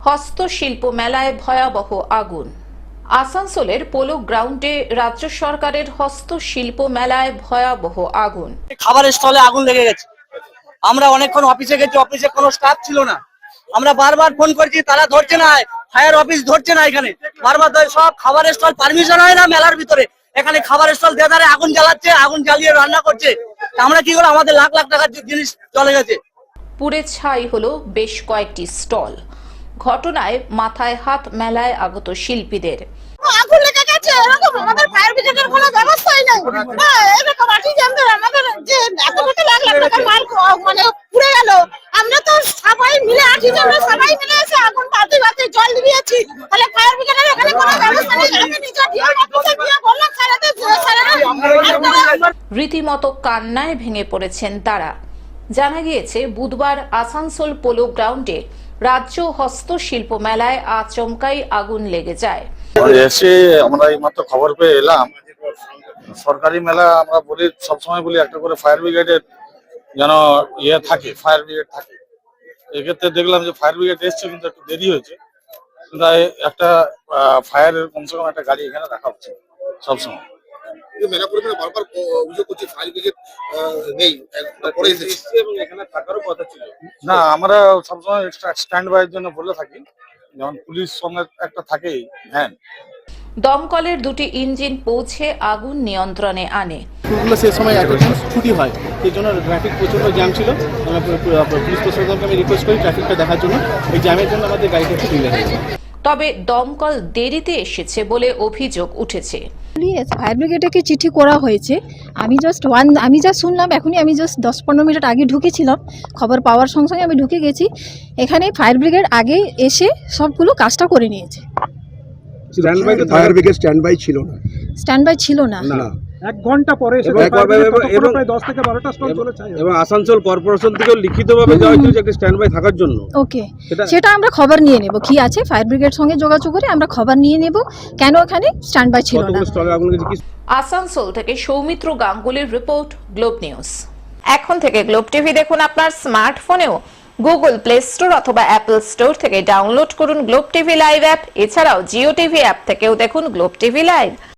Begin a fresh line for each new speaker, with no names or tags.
হস্তশিল্প মেলায় ভয়াবহ আগুন। আসানসোলের পোলো গ্রাউন্ডে রাজ্য সরকারের হস্তশিল্প মেলায় ভয়াবহ আগুন।
খাবারের স্টলে আগুন লেগে গেছে। আমরা অনেকক্ষণ অফিসে গেছি, অফিসে কোনো স্টাফ ছিল না। আমরা বারবার ফোন করছি, তারা ধরছে না, ফায়ার অফিস ধরছে না। এখানে বারবার সব খাবারের স্টল পারমিশন হয় না মেলার ভিতরে, এখানে খাবারের স্টল দেদারে আগুন জ্বালাচ্ছে, আগুন জ্বালিয়ে রান্না করছে। আমরা কি করে, আমাদের লাখ লাখ টাকার জিনিস চলে গেছে।
পুড়ে ছাই হলো বেশ কয়েকটি স্টল। ঘটনায় মাথায় হাত মেলায় আগত শিল্পীদের।
আগুন লেগে গেছে, এরকম আমাদের ফায়ার ব্রিগেডের কোনো ব্যবস্থাই নাই। এরকম আর্টিজানদের আমাদের যে এত লাখ লাখ টাকার মাল মানে পুড়ে গেল। আমরা তো সবাই মিলে আর্টিজানরা সবাই মিলে এসে আগুন বাতি বাতি জল দিয়েছি। তাহলে ফায়ার ব্রিগেডের এখানে কোনো ব্যবস্থা নেই। আমি নিজে অফিসে গিয়ে বললাম স্যারেদের,
রীতিমতো কান্নায় ভেঙে পড়েছেন তারা। জানা গিয়েছে বুধবার আসানসোল পোলো গ্রাউন্ডে রাজ্য হস্তশিল্প মেলায় আচমকাই আগুন লেগে যায়।
এসে আমরা এই মাত্র খবর পেয়ে এলাম। সরকারি মেলা আমরা বলি, সবসময় বলি একটা করে ফায়ার ব্রিগেডের যেন থাকে, ফায়ার ব্রিগেড থাকে। এক্ষেত্রে দেখলাম যে ফায়ার ব্রিগেড এসছে, কিন্তু একটু দেরি হয়েছে। কিন্তু একটা ফায়ারের কমসে কম একটা গাড়ি এখানে রাখা হচ্ছে সবসময়।
মেলা পরিমাণে বারবার অভিযোগ করছি ফায়ার ব্রিগেড নেই, পরে এসেছে এবং এখানে থাকারও কথা ছিল
না। আমরা সবসময় এক্সট্রা স্ট্যান্ড বাইয়ের জন্য বলে থাকি, যেমন পুলিশ সঙ্গে একটা থাকেই ভ্যান।
দমকলের দুটি ইঞ্জিন পৌঁছে আগুন নিয়ন্ত্রণে আনে।
স্কুলগুলো সে সময় এতদিন ছুটি হয়, সেই জন্য ট্রাফিক প্রচণ্ড জ্যাম ছিল। আমরা পুলিশ প্রশাসনকে আমি রিকোয়েস্ট করি ট্রাফিকটা দেখার জন্য। এই জ্যামের জন্য আমাদের গাড়িটা একটু ডিলে হয়েছে।
তবে দমকল দেরিতে এসেছে বলে অভিযোগ উঠেছে।
ফায়ার ব্রিগেডকে চিঠি করা হয়েছে। আমি জাস্ট শুনলাম এখনই। আমি জাস্ট 10-15 মিনিট আগে ঢুকেছিলাম, খবর পাওয়ার সঙ্গে সঙ্গে আমি ঢুকে গেছি। এখানে ফায়ার ব্রিগেড আগে এসে সবগুলো কাজটা করে নিয়েছে।
ফায়ার ব্রিগেড স্ট্যান্ড বাই ছিল না।
স্ট্যান্ড বাই ছিল না।
1 ঘন্টা পরে প্রায় 10 থেকে 12টা স্টল চলেছে এবং আসানসোল কর্পোরেশন থেকে লিখিতভাবে দেওয়া হয়েছিল যে একটা স্ট্যান্ড বাই থাকার জন্য।
ওকে, সেটা আমরা খবর নিয়ে নেব। কি আছে ফায়ার ব্রিগেড সঙ্গে যোগাযোগ করে আমরা খবর নিয়ে নেব কেন এখানে স্ট্যান্ড বাই ছিল না।
আসানসোল থেকে সৌমিত্র গাঙ্গুলির রিপোর্ট, গ্লোব নিউজ। এখন থেকে গ্লোব টিভি দেখুন আপনার স্মার্টফোনেও। গুগল প্লে স্টোর অথবা অ্যাপল স্টোর থেকে ডাউনলোড করুন গ্লোব টিভি লাইভ অ্যাপ। এছাড়াও জিও টিভি অ্যাপ থেকেও দেখুন গ্লোব টিভি লাইভ।